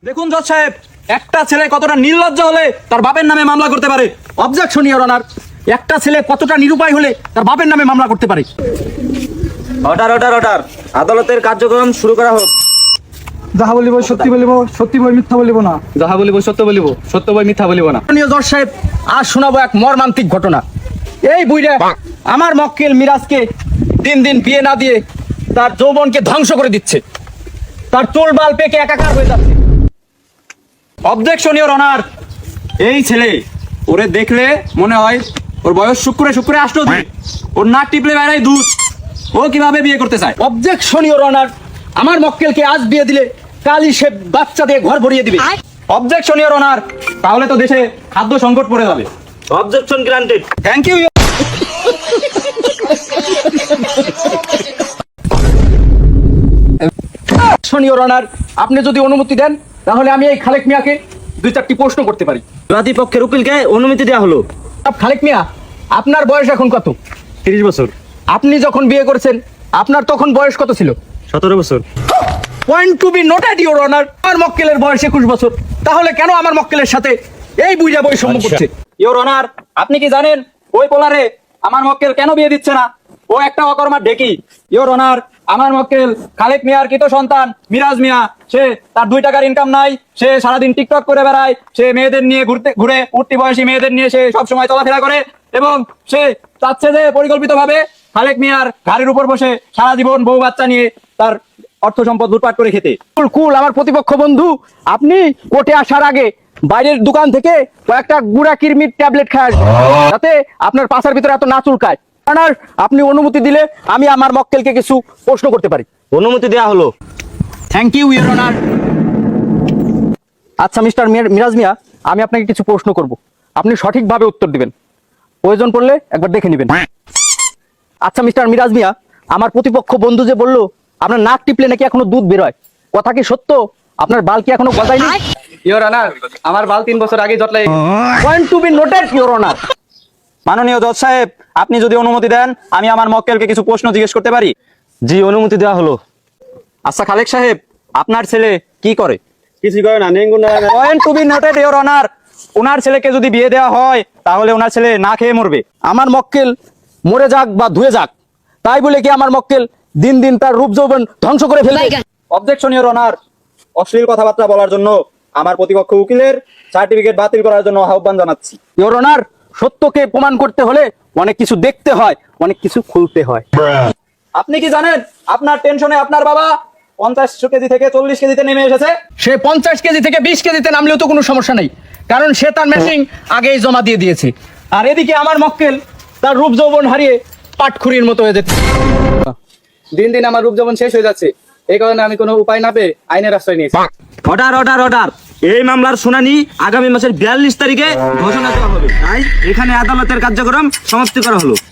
দেখুন জজ সাহেব, একটা ছেলে কতটা নির্লজ্জ হলে তার বাপের নামে মামলা করতে পারে। অবজেকশন ইওর অনার, একটা ছেলে কতটা নিরুপায় হলে তার বাপের নামে মামলা করতে পারে। অর্ডার অর্ডার অর্ডার, আদালতের কার্যক্রম শুরু করা হোক। যাহা বলিব সত্যি বলিব, সত্যি বই মিথ্যা বলিব না। যাহা বলিব সত্য বলিব, সত্য বই মিথ্যা বলিব না। জজ সাহেব, আজ শোনাবো এক মর্মান্তিক ঘটনা। এই বুইড়া আমার মক্কেল মিরাজকে দিন দিন বিয়ে না দিয়ে তার যৌবনকে ধ্বংস করে দিচ্ছে। তার চুল বাল পেকে একাকার হয়ে যাচ্ছে। অবজেকশন ইওর অনার, এই ছেলে ওরে দেখলে মনে হয় ওর বয়স শুক্রে শুক্রে আসলো, ওর নাক টিপলে বেড়াই দুধ। ও কিভাবে বিয়ে করতে চায়? অবজেকশন ইওর অনার, আমার মক্কেলকে আজ বিয়ে দিলে কালই সে বাচ্চা দিয়ে ঘর ভরিয়ে দিবে। অবজেকশন ইওর অনার, তাহলে তো দেশে খাদ্য সংকট পড়ে যাবে। Objection granted. Thank you. Your honour, আপনি যদি অনুমতি দেন তাহলে আমি এই খালেক মিয়াকে দুই চারটি প্রশ্ন করতে পারি। বাদী পক্ষের উকিলকে অনুমতি দেওয়া হলো। খালেক মিয়া, আপনার বয়স এখন কত? 30 বছর। আপনি যখন বিয়ে করেছেন আপনার তখন বয়স কত ছিল? 17 বছর। Point to be noted your honour, আমার মক্কেলের বয়স 21 বছর। তাহলে কেন আমার মক্কেলের সাথে এই বুইড়া বৈষম্য করছে? ইওর অনার, আপনি কি জানেন ওই পোলারে আমার মক্কেল কেন বিয়ে দিচ্ছে না? ও একটা অকর্মার ঢেকি। ইওর অনার, আমার মক্কেল খালেক মিয়ার কৃত সন্তান মিরাজ মিয়া, সে তার 2 টাকার ইনকাম নাই, সে সারাদিন টিকটক করে বেড়ায়, সে মেয়েদের নিয়ে ঘুরে উঠতি বয়সী মেয়েদের নিয়ে সে সবসময় চলাফেরা করে, এবং সে চাচ্ছে যে পরিকল্পিতভাবে খালেক মিয়ার ঘাড়ের উপর বসে সারা জীবন বউ বাচ্চা নিয়ে তার অর্থ সম্পদ লুটপাট করে খেতে। কুল আমার প্রতিপক্ষ বন্ধু, আপনি কোর্টে আসার আগে বাইরের দোকান থেকে কয়েকটা গুড়া কিরমির ট্যাবলেট খায় আসবেন, যাতে আপনার পাছার ভিতরে এত না চুলকায়। আপনি অনুমতি দিলে আমি আমার মক্কেলকে কিছু প্রশ্ন করতে পারি। অনুমতি দেওয়া হলো। Thank you your honour. আচ্ছা মিস্টার মিরাজ মিয়া, আমি আপনাকে কিছু প্রশ্ন করব, আপনি সঠিকভাবে উত্তর দিবেন। প্রয়োজন পড়লে একবার দেখে নেবেন। আচ্ছা মিস্টার মিরাজ মিয়া, আমার প্রতিপক্ষ বন্ধু যে বললো আপনার নাক টিপলে নাকি এখনো দুধ বেরোয়, কথা কি সত্য? আপনার বাল কি এখনো গজায়নি? ইওর অনার, আমার বাল 3 বছর আগে জটলাই। Point to be noted your honour. মাননীয় জজ সাহেব, আপনি যদি অনুমতি দেন আমি আমার মক্কেলকে কিছু প্রশ্ন জিজ্ঞেস করতে পারি। জি, অনুমতি দেওয়া হলো। আচ্ছা খালেক সাহেব, আপনার ছেলে কি করে? কিছু করে না। Point to be noted your honour, ওনার ছেলেকে যদি বিয়ে দেওয়া হয় তাহলে ওনার ছেলে না খেয়ে মরবে। আমার মক্কেল মরে যাক বা ধুয়ে যাক, তাই বলে কি আমার মক্কেল দিন দিন তার রূপ যৌবন ধ্বংস করে ফেলবে? অবজেকশন ইওর অনার, অশ্লীল কথাবার্তা বলার জন্য আমার প্রতিপক্ষ উকিলের সার্টিফিকেট বাতিল করার জন্য আহ্বান জানাচ্ছি। ইওর অনার, সত্যকে প্রমাণ করতে হলে অনেক কিছু দেখতে হয়, অনেক কিছু খুলতে হয়। আপনি কি জানেন আপনার টেনশনে আপনার বাবা 50 কেজি থেকে 40 কেজিতে নেমে এসেছে? সে 50 কেজি থেকে 20 কেজিতে নামলেও তো কোনো সমস্যা নেই, কারণ সে তার মেশিন আগেই জমা দিয়ে দিয়েছে। আর এদিকে আমার মক্কেল তার রূপ যৌবন হারিয়ে পাটখুরির মতো হয়ে যাচ্ছে। দিন দিন আমার রূপ যৌবন শেষ হয়ে যাচ্ছে, এই কারণে আমি কোনো উপায় না পেয়ে আইনের আশ্রয় নিয়েছি। অর্ডার অর্ডার অর্ডার, এই মামলার শুনানি আগামী মাসের 42 তারিখে ঘোষণা দেওয়া হবে। তাই এখানে আদালতের কার্যক্রম সমাপ্তি করা হলো।